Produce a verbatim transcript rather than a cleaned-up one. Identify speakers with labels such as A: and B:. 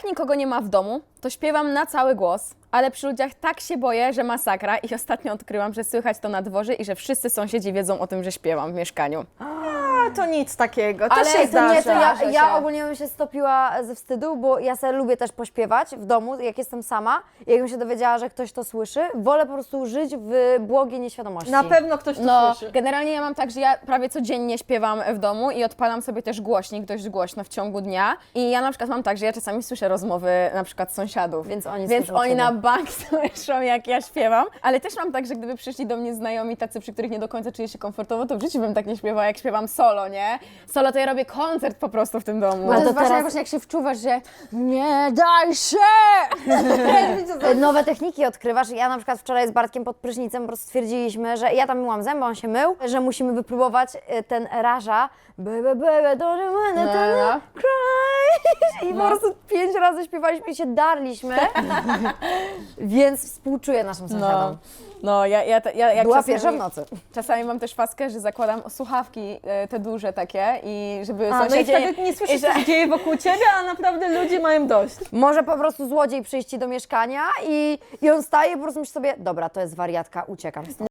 A: jak nikogo nie ma w domu, to śpiewam na cały głos, ale przy ludziach tak się boję, że masakra i ostatnio odkryłam, że słychać to na dworze i że wszyscy sąsiedzi wiedzą o tym, że śpiewam w mieszkaniu.
B: A, to nic takiego, to
A: Ale
B: się
A: to
B: zdarza.
C: Nie, to ja,
A: Zdarza
C: ja
A: się.
C: ogólnie bym się stopiła ze wstydu, bo ja sobie lubię też pośpiewać w domu, jak jestem sama. Jakbym się dowiedziała, że ktoś to słyszy, wolę po prostu żyć w błogiej nieświadomości.
B: Na pewno ktoś to
A: No,
B: słyszy.
A: generalnie ja mam tak, że ja prawie codziennie śpiewam w domu i odpalam sobie też głośnik dość głośno w ciągu dnia. I ja na przykład mam tak, że ja czasami słyszę rozmowy na przykład sąsiadów.
C: Więc oni
A: Więc
C: słyszą
A: oni
C: ciebie.
A: na bank słyszą, jak ja śpiewam. Ale też mam tak, że gdyby przyszli do mnie znajomi tacy, przy których nie do końca czuję się komfortowo, to w życiu bym tak nie śpiewała, jak śpiewam solo, nie? Solo to ja robię koncert po prostu w tym domu.
C: Ale
D: Ale
C: to
D: to właśnie,
C: teraz-
D: właśnie jak się wczuwasz, że nie daj się!
C: Nowe techniki odkrywasz. Ja na przykład wczoraj z Bartkiem pod prysznicem po prostu stwierdziliśmy, że ja tam myłam zęby, on się mył, że musimy wypróbować y, ten raża. Baby, baby, don't you wanna
A: No,
C: no,
A: no.
C: cry. I
A: No.
C: po prostu pięć razy śpiewaliśmy i się darliśmy. Więc współczuję naszym sąsiadom.
A: No, no ja, ja, ja jak
C: Była
A: czasami,
C: pierwsza w nocy.
A: Czasami mam też faskę, że zakładam słuchawki e, te duże takie i żeby
B: A, no i
A: sąsiedzi...
B: wtedy nie słyszysz,
A: i że-
B: co się dzieje wokół ciebie, a naprawdę ludzie mają dość.
C: Może po prostu złodziej przyjść ci do mieszkania i, i on staje i po prostu myśli sobie, dobra, to jest wariatka, uciekam stąd.